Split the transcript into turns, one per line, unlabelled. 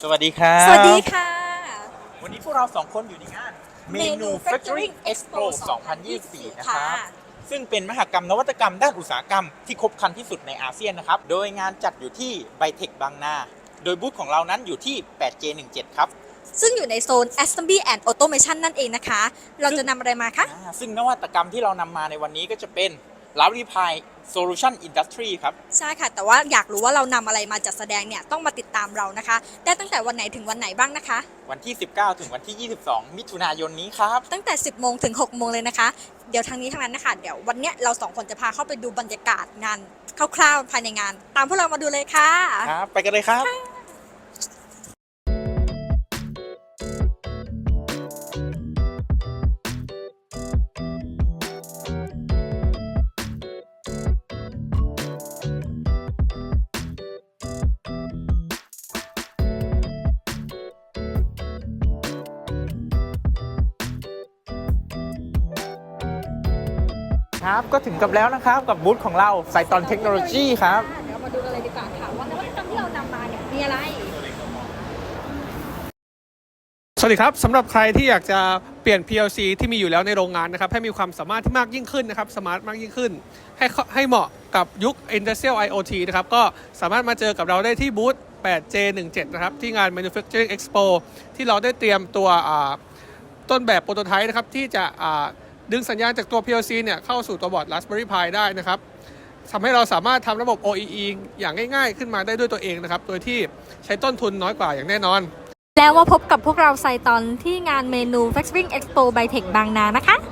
สวัสดีครับ
สวัสดีค่ะ
วันนี้พวกเราสองคนอยู่ในงาน Manufacturing Expo 2024 นะครับซึ่งเป็นมหกรรมนวัตกรรมด้านอุตสาหกรรมที่ครบครันที่สุดในอาเซียนนะครับโดยงานจัดอยู่ที่ไบเทคบางนาโดยบูธของเรานั้นอยู่ที่ 8J17 ครับ
ซึ่งอยู่ในโซน Assembly and Automation นั่นเองนะคะ เราจะนำอะไรมาคะ
ซึ่งนวัตกรรมที่เรานำมาในวันนี้ก็จะเป็น Raspberry Pi Solution Industry ครับ
ใช่ค่ะแต่ว่าอยากรู้ว่าเรานำอะไรมาจัดแสดงเนี่ยต้องมาติดตามเรานะคะได้ตั้งแต่วันไหนถึงวันไหนบ้างนะคะ
วันที่ 19 ถึงวันที่ 22 มิถุนายนนี้ครับ
ตั้งแต่ 10 โมงถึง 6 โมงเลยนะคะเดี๋ยวทางนี้ทางนั้นนะคะเดี๋ยววันเนี้ยเราสองคนจะพาเข้าไปดูบรรยากาศงานคร่าวๆภายในงานตามพวกเรามาดูเลยค่ะ
ครับไปกันเลยครับครับก็ถึงกับแล้วนะครับกับบูธของเราไซตอนเทคโนโลยีครับ
เดี๋ยวมาดูกันเลยดีกว่าค่ะว่านวัตกรรมที่เรานำมาเนี่ยมีอะไร
สวัสดีครับสำหรับใครที่อยากจะเปลี่ยน PLC ที่มีอยู่แล้วในโรงงานนะครับให้มีความสามารถที่มากยิ่งขึ้นนะครับสมาร์ทมากยิ่งขึ้นให้เหมาะกับยุค Industrial IoT นะครับก็สามารถมาเจอกับเราได้ที่บูธ 8J17 นะครับที่งาน Manufacturing Expo ที่เราได้เตรียมตัวต้นแบบโปรโตไทป์นะครับที่จะดึงสัญญาณจากตัว PLC เนี่ยเข้าสู่ตัวบอร์ด Raspberry Pi ได้นะครับทำให้เราสามารถทำระบบ OEE อย่างง่ายๆขึ้นมาได้ด้วยตัวเองนะครับโดยที่ใช้ต้นทุนน้อยกว่าอย่างแน่นอน
แล้วมาพบกับพวกเราไซตอนที่งาน Manufacturing Expo by Tech บางนานะคะ